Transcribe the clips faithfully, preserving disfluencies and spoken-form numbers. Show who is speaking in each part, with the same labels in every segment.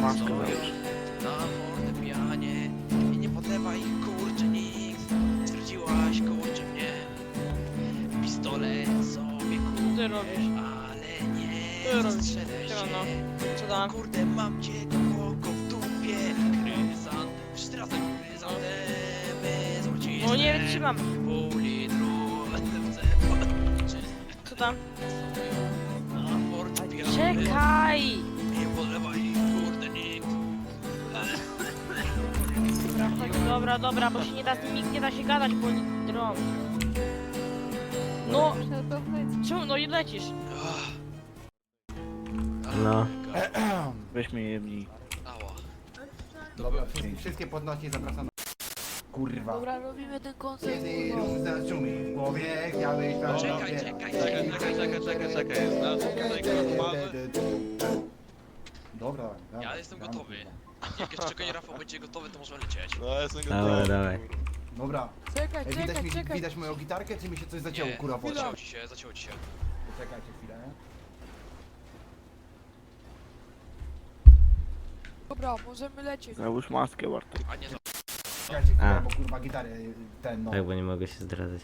Speaker 1: maskę
Speaker 2: stoją
Speaker 1: załóż.
Speaker 2: na fortepianie i nie podlewa ich kurczę nikt. Stwierdziłaś kurczę mnie, pistolet sobie
Speaker 3: Ty robisz.
Speaker 2: kupisz, ale nie
Speaker 3: Ty robisz.
Speaker 2: zastrzelę
Speaker 3: Siemano.
Speaker 2: się.
Speaker 3: Co tam?
Speaker 2: Kurde, mam cię głęboko w dupie. Kryzantem, wszyscy razem kryzantem. Złocisz
Speaker 3: No nie wytrzymam.
Speaker 2: pół litru N F C.
Speaker 3: Co tam?
Speaker 2: Na fortepianie.
Speaker 3: Czekaj!
Speaker 2: Nie podlewaj ich, kurde, nikt.
Speaker 3: Dobra, chodź, dobra, dobra, bo się nie da z nimi, nie da się gadać, bo oni drą. No, czemu, no i lecisz.
Speaker 4: No.
Speaker 1: Weź mnie jebnij.
Speaker 2: Ała.
Speaker 5: Dobra, wszystkie podnosi, zapraszam. Kurwa.
Speaker 6: Dobra, robimy ten koncert,
Speaker 5: Kiedy
Speaker 6: kurwa.
Speaker 5: róż zaszumi w głowie, chciałeś to
Speaker 2: Czekaj,
Speaker 5: robię.
Speaker 2: czekaj,
Speaker 7: Czekaj, czekaj, czekaj, czekaj, czekaj. Znalazłem tutaj kotmarzy.
Speaker 5: Dobra, dobra.
Speaker 2: Ja jestem
Speaker 5: dam,
Speaker 2: gotowy.
Speaker 5: kurwa.
Speaker 2: Jak jeszcze czekaj, Rafał będzie gotowy, to możemy lecieć.
Speaker 7: No, jestem
Speaker 4: Dobra,
Speaker 7: gotowy.
Speaker 4: dawaj.
Speaker 5: Dobra.
Speaker 6: Czekaj,
Speaker 5: Ej, widać,
Speaker 6: czekaj,
Speaker 5: mi,
Speaker 6: czekaj.
Speaker 5: widać moją gitarkę, czy mi się coś zacięło,
Speaker 2: Nie,
Speaker 5: kurwa, woda?
Speaker 2: zacięło ci się, zacięło ci się.
Speaker 5: Poczekajcie chwilę.
Speaker 6: Dobra, możemy lecieć.
Speaker 1: Załóż maskę, Bartek.
Speaker 2: A nie, za...
Speaker 5: Czekajcie chwilę,
Speaker 4: A.
Speaker 5: bo kurwa gitary ten no.
Speaker 4: Tak, bo nie mogę się zdradzać.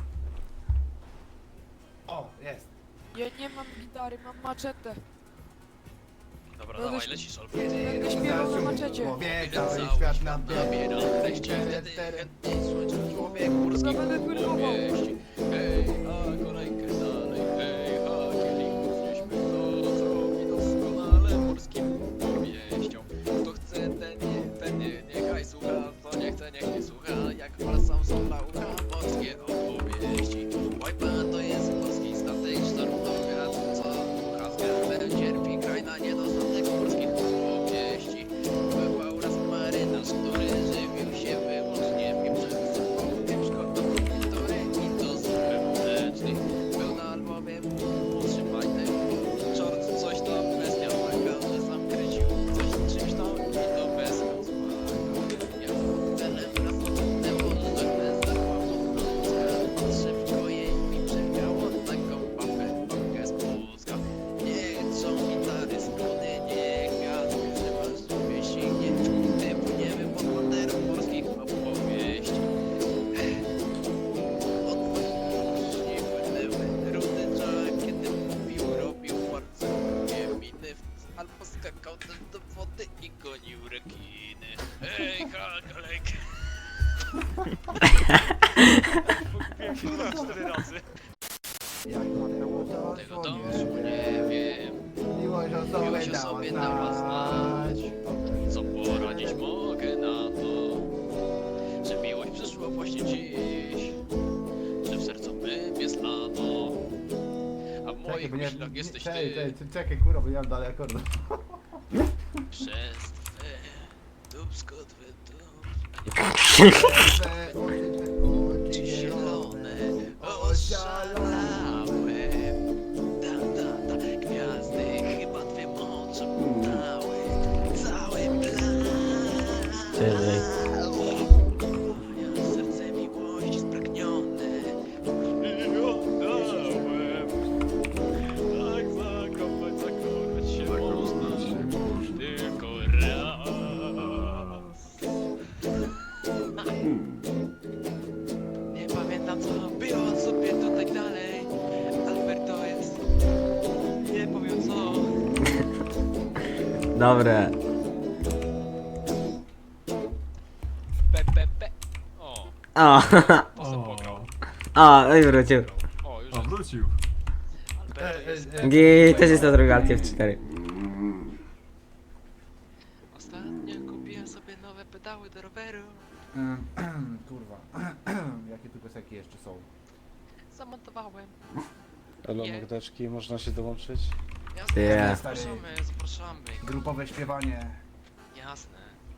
Speaker 5: O, jest.
Speaker 6: Ja nie mam gitary, mam maczetę.
Speaker 2: Dobra,
Speaker 6: No
Speaker 2: dawaj,
Speaker 6: też-
Speaker 2: lecisz, albo...
Speaker 6: Będę śpiewał na maczecie.
Speaker 5: W głowie,
Speaker 2: Cały
Speaker 5: cały
Speaker 2: świat
Speaker 5: świat
Speaker 2: nam
Speaker 5: nabiera.
Speaker 2: nabiera. Wejście wtedy, chętnie słońce człowiek górski
Speaker 6: Dobra, będę płynował.
Speaker 2: wieści. Hej, a kolejkę dalej, hej, a kielichów znieśmy, to zrobi doskonale morskim wieścią. Kto chce, ten nie, ten nie, niechaj słucha, co nie chce, niech nie słucha, jak wracam z ucha, morskie opowieści. Łajpa to jest morski statek, sztormowiat, co ducha z garbem cierpi, kraj na niedostatek morskich opowieści. Bywał raz marynarz, który żywił się wyłącznie pieprzem, pieprzko, historyki to zupełnie mleczny. Był na albowiem, trzymaj ten czort, coś tam bez miałego, że sam kręcił coś czymś tam i to bez kozłego. Ja celem raz odetnęło, że bez zakłamów szybko jej mi przewiało taką papę, papkę z Polska. Nie chcą gitary, struny, nie gaz, używasz wieści, nie nie płyniemy pod banderą morskich opowieści. Odważnie płynęły rudy czak, kiedy mówił, robił bardzo głupie miny, albo skakał też do wody i gonił rekiny. Hej, hakalek! Pokupiłem się na cztery razy.
Speaker 5: Jak Mateusz
Speaker 2: Tego
Speaker 5: zasłonie,
Speaker 2: dążu nie wiem,
Speaker 5: Miłość o sobie
Speaker 2: miłość o
Speaker 5: dała
Speaker 2: sobie dała znać.
Speaker 5: znać.
Speaker 2: Co poradzić mogę na to, że miłość przyszła właśnie dziś, że w sercu mym jest lato, a w
Speaker 5: Czekaj,
Speaker 2: moich
Speaker 5: bo nie-
Speaker 2: myślach
Speaker 5: nie-
Speaker 2: jesteś
Speaker 5: czekaj,
Speaker 2: ty.
Speaker 5: czekaj, czekaj, kurwa, bo nie mam dalej akordu.
Speaker 2: Przez twe dubsko, twe
Speaker 5: Te oczy,
Speaker 2: oczy zielone,
Speaker 5: oszalałe.
Speaker 2: oszalałem. Da, da, da, gwiazdy chyba twym oczom dały cały plan.
Speaker 4: Cześć.
Speaker 2: Moje serce miłości spragnione i oddałem. Tak zakochać, zakochać się można tylko raz. Nie pamiętam co było sobie tutaj dalej. Alberto jest, nie powiem co.
Speaker 4: Dobre.
Speaker 2: Pe, pe, pe. O,
Speaker 4: O,
Speaker 2: poseł pograł.
Speaker 4: o, no i wrócił.
Speaker 2: O, już
Speaker 8: A
Speaker 2: jest.
Speaker 8: wrócił.
Speaker 2: Alberto jest.
Speaker 4: Gi, też jest na drugą Alt F cztery.
Speaker 2: Ostatnio kupiłem sobie nowe pedały do roweru.
Speaker 5: Kurwa, jakie tu piosenki jeszcze są?
Speaker 2: Zamontowałem.
Speaker 7: Elo,
Speaker 2: Nie.
Speaker 7: mordeczki, można się dołączyć?
Speaker 2: Jasne,
Speaker 4: Yeah.
Speaker 2: zapraszamy, zapraszamy.
Speaker 5: Grupowe śpiewanie.
Speaker 2: Jasne.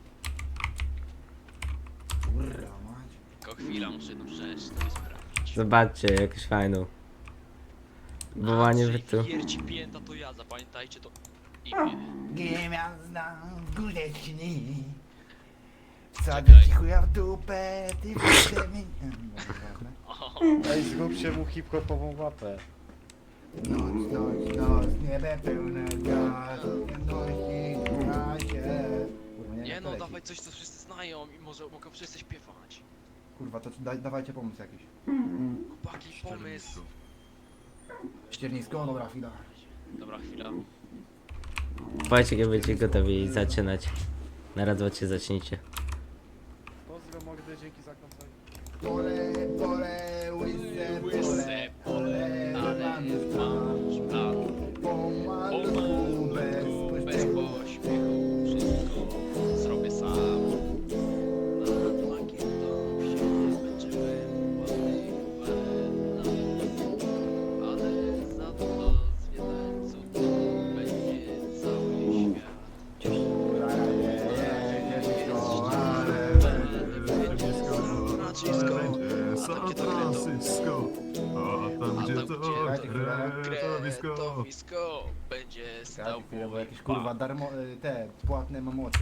Speaker 5: Kurwa, mać.
Speaker 2: Tylko chwila, muszę jedną rzecz sobie sprawdzić.
Speaker 4: Zobaczcie, jakąś fajną. Wołanie bytu.
Speaker 2: Wierci pięta to ja, zapamiętajcie to imię.
Speaker 5: Gwiazda w górę śni.
Speaker 2: Czekaj.
Speaker 5: Wsadzę ci chuja w dupę, ty wtedy mi...
Speaker 2: O,
Speaker 7: Ej, zróbcie mu hip-hopową łapę.
Speaker 5: Noc, noc, noc, niebe pełne gwiazd, jedności na się. leci.
Speaker 2: dawaj coś, co wszyscy znają i może mogę wszyscy śpiewać.
Speaker 5: Kurwa, to da, dawajcie pomysł jakiś.
Speaker 2: Chłopaki, pomysł.
Speaker 5: Ściernisko, dobra chwila.
Speaker 2: Dobra, chwila.
Speaker 4: Powiedzcie, kiedy będziecie gotowi zaczynać. Na raz, dwa, trzy, zacznijcie.
Speaker 8: Pozdro Magdy, dzięki za koncert.
Speaker 5: Pole, pole, łyse,
Speaker 2: Łyse pole, ale masz plan.
Speaker 5: Pomalutku, bez
Speaker 2: Pomalutku, bez
Speaker 5: pośpiechu.
Speaker 2: pośpiechu, wszystko zrobię sam. Nad makietą się zmęczyłem, ładny walena. Ale za to zwiedzańców będzie cały świat. Nacisko,
Speaker 9: San Francisco, a tam gdzie to kretowisko.
Speaker 2: kretowisko będzie stał
Speaker 5: Czekajcie chwilę, bo
Speaker 2: mój
Speaker 5: jakieś kurwa
Speaker 2: bank.
Speaker 5: darmo, y, te płatne mam oczy.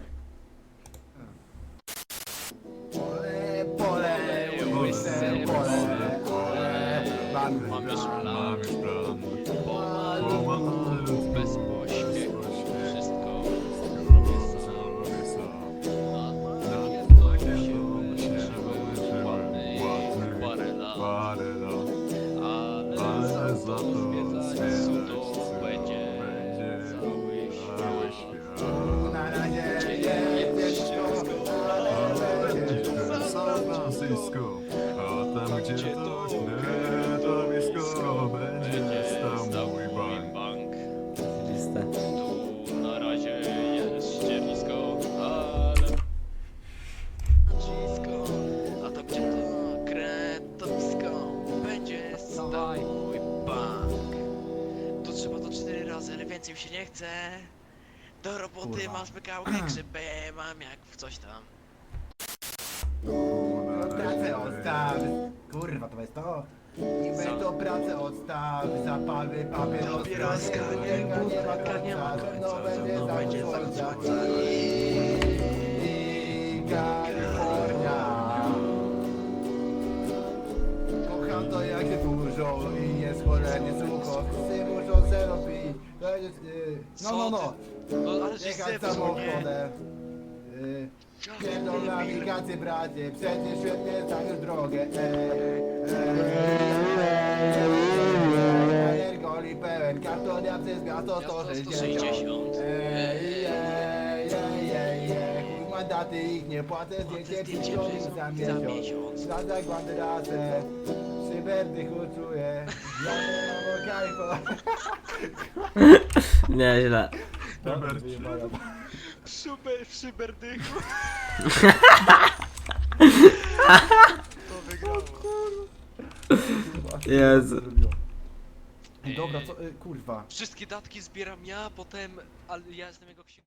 Speaker 5: Pole, pole, łyse pole, pole, mamy
Speaker 2: Mam już
Speaker 5: plan.
Speaker 2: plan.
Speaker 9: Mam już plan.
Speaker 2: Pomalutku, bez pośpiechu, wszystko robię sam.
Speaker 9: Robię sam.
Speaker 2: Nad
Speaker 9: Nad
Speaker 2: makietą się
Speaker 9: makietą się
Speaker 2: męczyłem, ładny
Speaker 9: ładny
Speaker 2: parę lat.
Speaker 9: Parę lat.
Speaker 2: Ale
Speaker 9: Ale
Speaker 2: za
Speaker 9: za
Speaker 2: to
Speaker 9: to
Speaker 2: zwiedzać
Speaker 9: zwiedzać
Speaker 2: to
Speaker 9: to
Speaker 2: będzie
Speaker 9: będzie
Speaker 2: cały
Speaker 9: cały
Speaker 2: świat.
Speaker 9: świat.
Speaker 5: Na razie
Speaker 2: Jest
Speaker 5: jest
Speaker 2: ciężko,
Speaker 5: ale
Speaker 9: Ale
Speaker 5: będzie
Speaker 9: będzie San Francisco, a tam gdzie to kretowisko będzie stał mój bank.
Speaker 2: bank.
Speaker 4: Lista.
Speaker 2: Tu na razie jest ściernisko, ale nacisko, a tam gdzie to kretowisko będzie stał mój bank. Tu trzeba to cztery razy, ale więcej mi się nie chce. Do roboty
Speaker 5: Kurwa.
Speaker 2: mam smykałkę, grzybę mam jak w coś tam.
Speaker 5: pracę odstaw. Kurwa, to jest to. Niby to pracę odstaw, zapały papieroska,
Speaker 2: Papieroska,
Speaker 5: nie, nie, nie ma
Speaker 2: budka, nie ma
Speaker 5: końca, no
Speaker 2: końca,
Speaker 5: będzie
Speaker 2: no
Speaker 5: za
Speaker 2: będzie za
Speaker 5: słońca.
Speaker 2: słońca.
Speaker 5: I Kalifornia. Kocham to jak się dużo i jest cholernie sucho. Wszyscy muszą zero pić. To jest, y, no, no, no.
Speaker 2: No ale że
Speaker 5: Jechać
Speaker 2: zepsuł, nie?
Speaker 5: samochodem. Y, Pierdol nawigację bracie, przecież świetnie znasz drogę. Energoli pełen, kartonia przez miasto sto sześćdziesiąt. Ej, ej, ej, ej, ej, chuj mandaty ich nie płacę, zdjęcie pięćdziesiąt za miesiąc. Za zagładę razem, przyberdy czuję, ja nie mam kajfa.
Speaker 4: Nieźle.
Speaker 2: Super, przyberdychu. To wygrało.
Speaker 4: Jezu.
Speaker 5: Dobra, co, y, kurwa.
Speaker 2: Wszystkie datki zbieram ja, potem, ale ja jestem jego księgowym.